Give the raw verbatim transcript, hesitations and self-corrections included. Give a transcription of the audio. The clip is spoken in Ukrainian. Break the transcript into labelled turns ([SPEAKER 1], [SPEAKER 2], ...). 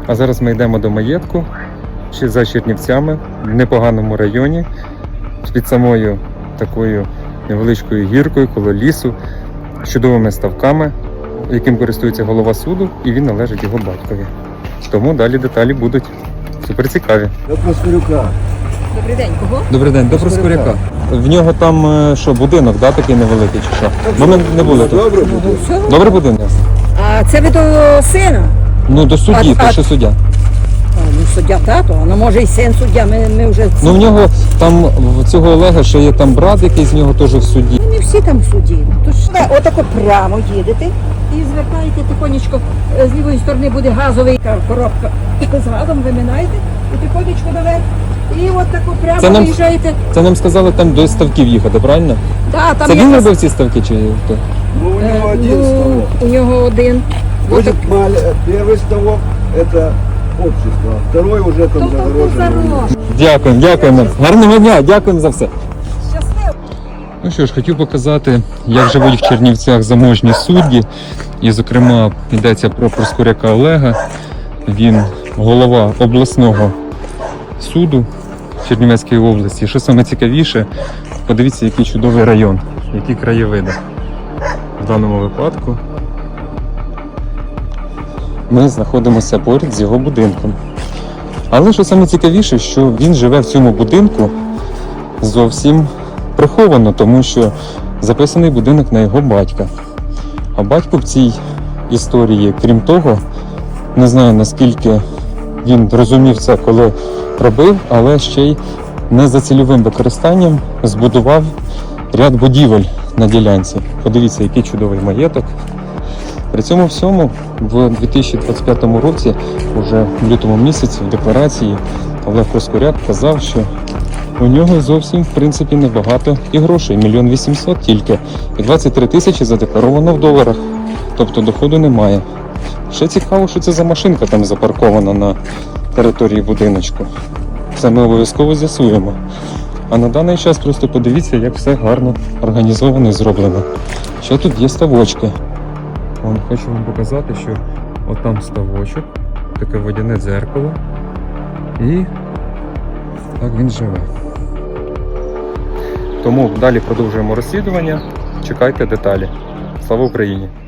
[SPEAKER 1] А зараз ми йдемо до маєтку ще за Чернівцями, в непоганому районі, під самою такою невеличкою гіркою коло лісу, з чудовими ставками, яким користується голова суду, і він належить його батькові. Тому далі деталі будуть супер цікаві.
[SPEAKER 2] До Проскурюка.
[SPEAKER 3] Добрий день, кого?
[SPEAKER 1] Добрий день, до Проскуряка. В нього там е, що, будинок, да, такий невеликий чи що? Бо ми не були тут.
[SPEAKER 2] Добре
[SPEAKER 3] Ну,
[SPEAKER 2] буде.
[SPEAKER 3] все.
[SPEAKER 1] Добрий будинок?
[SPEAKER 3] А це ви до сина?
[SPEAKER 1] Ну, до судді,
[SPEAKER 3] А-
[SPEAKER 1] то
[SPEAKER 3] а-
[SPEAKER 1] що суддя.
[SPEAKER 3] А, ну, суддя тато, а ну може і син суддя, ми, ми вже...
[SPEAKER 1] Ну, в нього там, в цього Олега, ще є там брат, який з нього теж в суді.
[SPEAKER 3] Не всі там в суді. Тож ви отако прямо їдете і звертаєте тихонечко, е, з лівої сторони буде газовий ка- коробка з газом, виминаєте і тихонечко наверх. І от тако прямо
[SPEAKER 1] Це нам-
[SPEAKER 3] виїжджаєте.
[SPEAKER 1] Це нам сказали там до ставків їхати, правильно?
[SPEAKER 3] Да, там
[SPEAKER 1] Це він
[SPEAKER 3] якраз,
[SPEAKER 1] робив ці ставки чи хто?
[SPEAKER 2] Ну, у
[SPEAKER 3] е,
[SPEAKER 2] него один
[SPEAKER 3] ну,
[SPEAKER 2] ставок.
[SPEAKER 3] у нього один. От
[SPEAKER 2] Значит, мал- первый ставок это общество, а второй уже там
[SPEAKER 3] Тобто
[SPEAKER 2] загороженный.
[SPEAKER 3] зарож.
[SPEAKER 1] Дякуємо, дякуємо. Гарного дня, дякуємо за все.
[SPEAKER 3] Щасливо.
[SPEAKER 1] Ну що ж, хотів показати, як живуть в Чернівцях заможні судді. І, зокрема, йдеться про Проскуряка Олега. Він голова обласного суду в Чернівецькій області. Що саме цікавіше, подивіться, який чудовий район, які краєвиди. В даному випадку ми знаходимося поряд з його будинком. Але що саме цікавіше, що він живе в цьому будинку зовсім приховано, тому що записаний будинок на його батька. А батько в цій історії, крім того, не знаю наскільки він розумів це, коли робив, але ще й не за цільовим використанням збудував ряд будівель на ділянці. Подивіться, який чудовий маєток. При цьому всьому в дві тисячі двадцять п'ятому році, уже в лютому місяці, в декларації Олег Проскуряк казав, що у нього зовсім, в принципі, небагато і грошей, мільйон вісімсот тільки, і двадцять три тисячі задекларовано в доларах, тобто доходу немає. Ще цікаво, що це за машинка там запаркована на території будиночку. Це ми обов'язково з'ясуємо. А на даний час просто подивіться, як все гарно організовано і зроблено. Що тут є ставочки. Вон, хочу вам показати, що отам ставочок, таке водяне дзеркало. І так він живе. Тому далі продовжуємо розслідування. Чекайте деталі. Слава Україні!